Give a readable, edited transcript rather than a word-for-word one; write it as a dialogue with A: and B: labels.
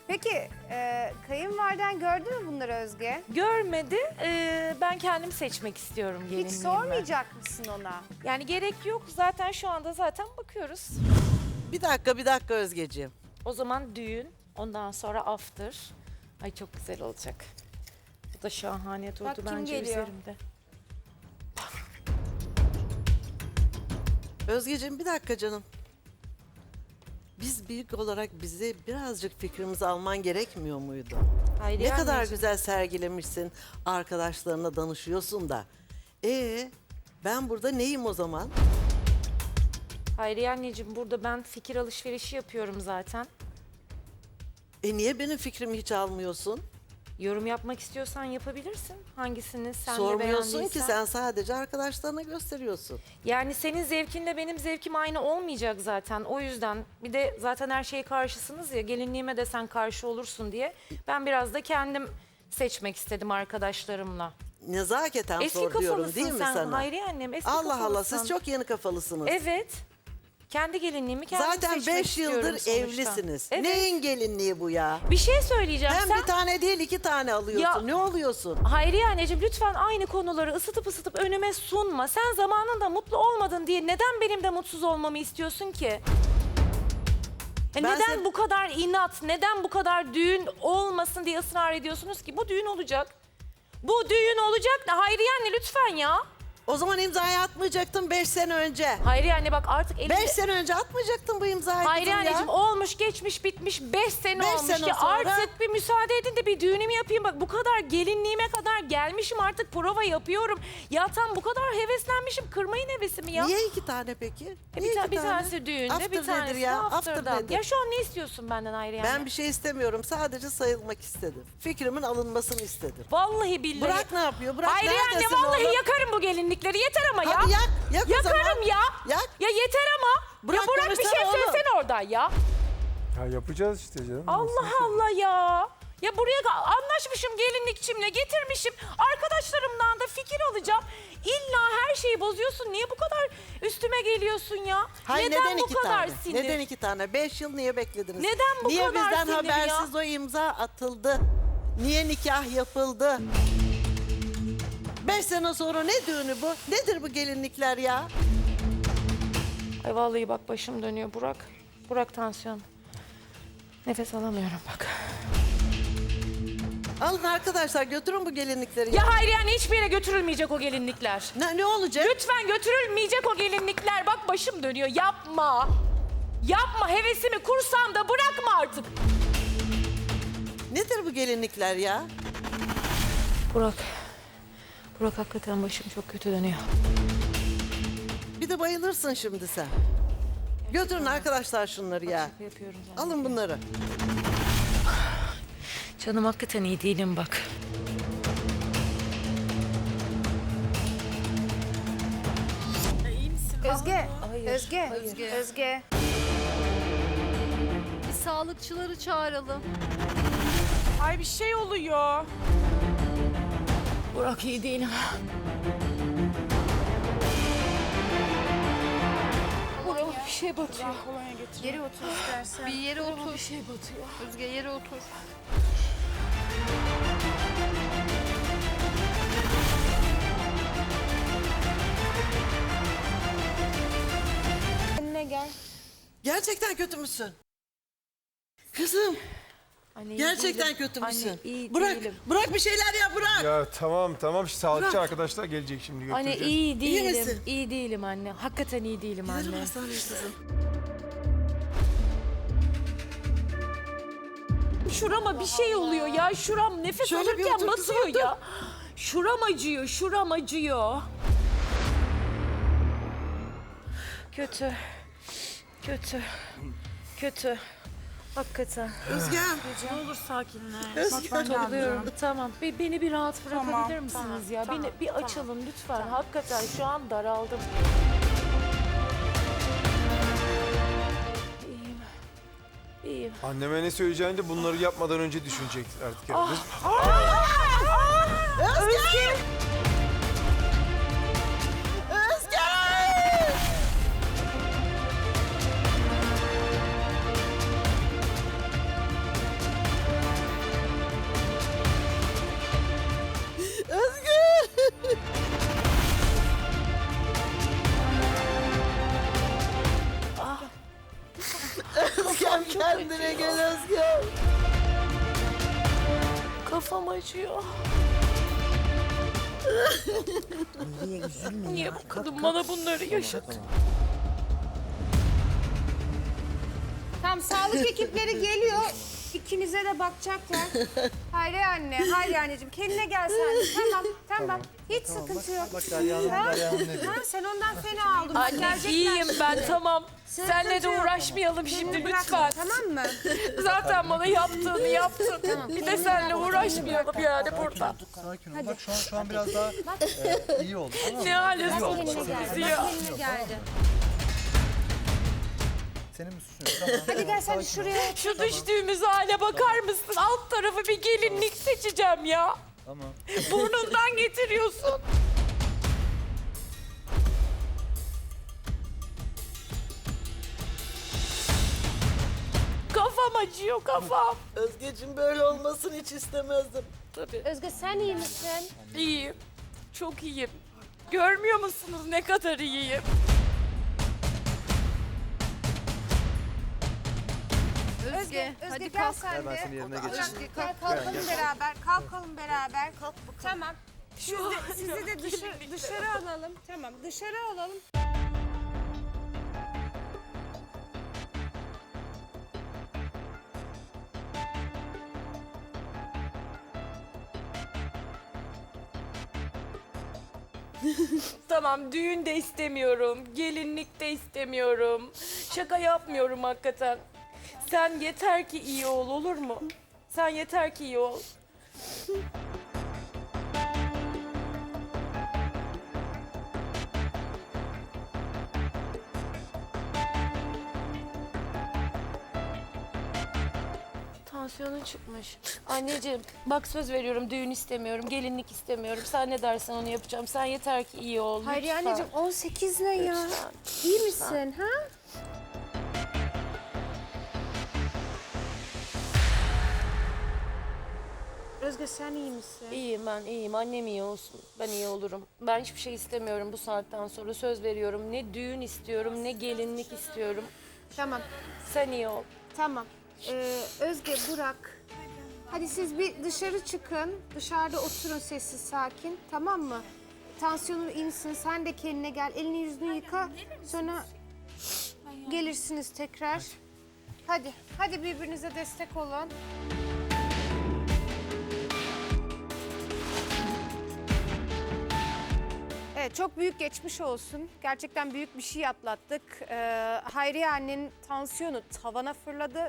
A: Peki kayınvaliden gördü mü bunları Özge?
B: Görmedi. Ben kendim seçmek istiyorum gelinliğimi.
A: Hiç sormayacak mısın ona?
B: Yani gerek yok. Zaten şu anda bakıyoruz.
C: Bir dakika Özgeciğim.
B: O zaman düğün, ondan sonra after. Ay çok güzel olacak. Bu da şahane durdu
A: Bak kim
B: bence
A: geliyor?
B: üzerimde.
C: Özgeciğim bir dakika canım. Biz büyük olarak bize birazcık fikrimizi alman gerekmiyor muydu?
B: Hayriye
C: Ne kadar
B: anneciğim.
C: güzel sergilemişsin, arkadaşlarına danışıyorsun da. Ben burada neyim o zaman?
B: Hayriye anneciğim, burada ben fikir alışverişi yapıyorum zaten.
C: Niye benim fikrimi hiç almıyorsun?
B: Yorum yapmak istiyorsan yapabilirsin. Hangisini sen de
C: Sormuyorsun ki,
B: beğendiysen.
C: sen sadece arkadaşlarına gösteriyorsun.
B: Yani senin zevkinle benim zevkim aynı olmayacak zaten. O yüzden bir de zaten her şeye karşısınız ya, gelinliğime de sen karşı olursun diye. Ben biraz da kendim seçmek istedim arkadaşlarımla.
C: Nezaketen
B: Eski
C: sor diyorum
B: kafalısın
C: değil mi
B: sen
C: sana?
B: Hayriye annem, eski
C: Allah
B: kafalısın.
C: Allah, siz çok yeni kafalısınız.
B: Evet. Kendi gelinliğimi kendim
C: Zaten
B: seçmek
C: 5
B: istiyorum
C: yıldır
B: sonuçta.
C: evlisiniz.
B: Evet.
C: Neyin gelinliği bu ya?
B: Bir şey söyleyeceğim.
C: Hem
B: Sen
C: bir tane değil 2 tane alıyorsun.
B: Ya-
C: Ne oluyorsun?
B: Hayriye anneciğim, lütfen aynı konuları ısıtıp önüme sunma. Sen zamanında mutlu olmadın diye neden benim de mutsuz olmamı istiyorsun ki?
C: Ben
B: Neden
C: sen-
B: bu kadar inat, neden bu kadar düğün olmasın diye ısrar ediyorsunuz ki? Bu düğün olacak. Bu düğün olacak da Hayriye anne lütfen ya.
C: O zaman imzayı atmayacaktın 5 sene önce.
B: Hayriye anne bak artık elimde...
C: 5 sene önce atmayacaktın bu imzayı
B: Hayriye
C: kızım ya.
B: anneciğim, olmuş geçmiş bitmiş 5 sene
C: Beş
B: olmuş
C: sene
B: ya,
C: sonra-
B: artık bir müsaade edin de bir düğünümü yapayım. Bak bu kadar gelinliğime kadar gelmişim, artık prova yapıyorum. Ya tam bu kadar heveslenmişim, kırmayın hevesimi ya.
C: Niye 2 tane peki? Niye
B: Bir,
C: iki
B: bir
C: tane?
B: tanesi düğünde,
C: After
B: bir
C: nedir
B: tanesi
C: ya?
B: de
C: After
B: after'dan.
C: nedir?
B: Ya şu an ne istiyorsun benden Hayriye
C: Ben
B: anne?
C: bir şey istemiyorum. Sadece sayılmak istedim. Fikrimin alınmasını istedim.
B: Vallahi billahi.
C: Bırak ne yapıyor? Bırak
B: Hayriye anne
C: neredesin
B: vallahi
C: oğlum?
B: yakarım bu gelinlikleri, yeter ama ya.
C: Hadi yak. Yak o zaman.
B: Yakarım ya.
C: Yak.
B: Ya yeter ama.
C: Bırak
B: ya Burak bir şey
C: konuşsana oğlum.
B: söylesene oradan ya.
D: Ya yapacağız işte canım.
B: Allah Allah ya. Ya buraya anlaşmışım gelinlikçimle, getirmişim. Arkadaşlarımdan da fikir alacağım. İlla her şeyi bozuyorsun. Niye bu kadar üstüme geliyorsun ya?
C: Hayır,
B: neden bu
C: iki
B: kadar
C: tane?
B: sinir?
C: Neden 2 tane? 5 yıl niye beklediniz?
B: Neden bu
C: niye
B: kadar
C: bizden
B: sinir ya?
C: habersiz o imza atıldı? Niye nikah yapıldı? 5 sene sonra ne düğünü bu? Nedir bu gelinlikler ya?
B: Ay vallahi bak başım dönüyor Burak. Burak tansiyon. Nefes alamıyorum bak.
C: Alın arkadaşlar, götürün bu gelinlikleri.
B: Ya Hayriye anne, hiçbir yere götürülmeyecek o gelinlikler.
C: Ne olacak?
B: Lütfen götürülmeyecek o gelinlikler. Bak başım dönüyor. Yapma. Yapma, hevesimi kursam da bırakma artık.
C: Nedir bu gelinlikler ya?
B: Burak. Burak hakikaten başım çok kötü dönüyor.
C: Bir de bayılırsın şimdi sen. Götürün arkadaşlar şunları ya.
B: Şaka yapıyorum zaten.
C: Alın bunları.
B: Canım hakikaten iyi değilim bak.
A: Özge,
B: Hayır,
A: Özge,
B: hayır.
A: Özge.
E: Bir sağlıkçıları çağıralım.
F: Ay bir şey oluyor.
B: Burak iyi değilim. Burak bir şey batıyor.
F: Kolonya getir.
A: Geri otur istersen.
E: Bir yere otur.
B: Bir şey batıyor.
E: Özge yere otur.
B: Önüne gel.
C: Gerçekten kötü müsün? Kızım,
B: Anne, iyi
C: gerçekten
B: değilim.
C: kötü müsün?
B: Anne iyi
C: Bırak,
B: değilim.
C: bırak bir şeyler ya, bırak.
D: Ya tamam. Sağlıkçı
C: Bırak.
D: arkadaşlar gelecek şimdi
B: Anne
D: götüreceğiz.
B: iyi değilim.
C: misin?
B: İyi değilim anne. Hakikaten iyi değilim
C: Gidelim
B: anne.
C: hastaneye kızım.
B: Şurama bir şey oluyor ya. Şuram nefes
C: Şöyle bir
B: alırken
C: otur,
B: batıyor
C: otur.
B: ya. Şuram acıyor, şuram acıyor. Kötü. Kötü. Kötü. Hakikaten.
C: Özgem.
F: Ne olur sakinleş.
C: Özgem.
B: Topluyorum. Tamam. Beni bir rahat bırakabilir
F: Tamam,
B: misiniz
F: tamam,
B: ya?
F: tamam,
B: Beni bir açalım lütfen. Hakikaten şu an daraldım. İyiyim. İyiyim.
D: Anneme ne söyleyeceğini de bunları yapmadan önce düşünecek artık.
B: Ah.
D: Yani.
C: Özgem. Özgem. Özge.
B: Kafam acıyor. Niye bu kadın bana bunları yaşattı?
A: Tamam, sağlık ekipleri geliyor. İkinize de bakacaklar. Hayri anne, Hayri anneciğim kendine gel sen de. Tamam. Hiç sıkıntı yok.
G: Bak Derya Hanım, Derya Hanım ne diyor?
A: Ha, sen ondan fena aldın.
B: Anne iyiyim ben tamam. Senle de uğraşmayalım şimdi lütfen.
A: Tamam mı?
B: Zaten bana yaptığını yaptın. Bir de seninle uğraşmayalım yani burada.
G: Sakin ol. Bak şu an biraz daha iyi oldu. Tamam mı?
B: Ne hale
G: İyi oldu.
B: soktun
G: Bak,
B: bizi ya.
A: Kendine geldi.
G: Senin mi suçun yok? Tamam.
A: Hadi gel sen de
G: Sakin ol.
A: şuraya.
B: Şu düştüğümüz hale bakar mısın? Alt tarafı bir gelinlik seçeceğim ya.
G: Tamam.
B: Burnundan getiriyorsun. Kafam acıyor kafam.
C: Özgeciğim böyle olmasını hiç istemezdim.
B: Tabii.
A: Özge sen iyi misin?
B: İyiyim. Çok iyiyim. Görmüyor musunuz ne kadar iyiyim?
E: Özge,
A: Özge
E: hadi
A: gel
E: kalk.
A: sen
G: Gel ben
A: de.
G: seni yerine geçireyim.
A: Özge kalkalım beraber. Kalkalım beraber. Tamam. Sizi de dışarı alalım. Tamam, dışarı alalım.
B: Tamam düğün de istemiyorum. Gelinlik de istemiyorum. Şaka yapmıyorum hakikaten. Sen yeter ki iyi ol olur mu? Sen yeter ki iyi ol. Tansiyonu çıkmış. Anneciğim bak söz veriyorum düğün istemiyorum, gelinlik istemiyorum. Sen ne dersen onu yapacağım. Sen yeter ki iyi ol.
A: Hayri
B: lütfen.
A: anneciğim 18 ne ya?
B: Lütfen.
A: İyi misin ha? Özge sen iyi misin?
B: İyiyim ben iyiyim. Annem iyi olsun. Ben iyi olurum. Ben hiçbir şey istemiyorum bu saatten sonra. Söz veriyorum. Ne düğün istiyorum ne gelinlik istiyorum.
A: Tamam.
B: Sen iyi ol.
A: Tamam. Özge, Burak. Hadi siz bir dışarı çıkın. Dışarıda oturun sessiz sakin. Tamam mı? Tansiyonun iyi misin? Sen de kendine gel. Elini yüzünü yıka. Sonra gelirsiniz tekrar. Hadi. Hadi birbirinize destek olun. Evet, çok büyük geçmiş olsun. Gerçekten büyük bir şey atlattık. Hayriye annenin tansiyonu tavana fırladı.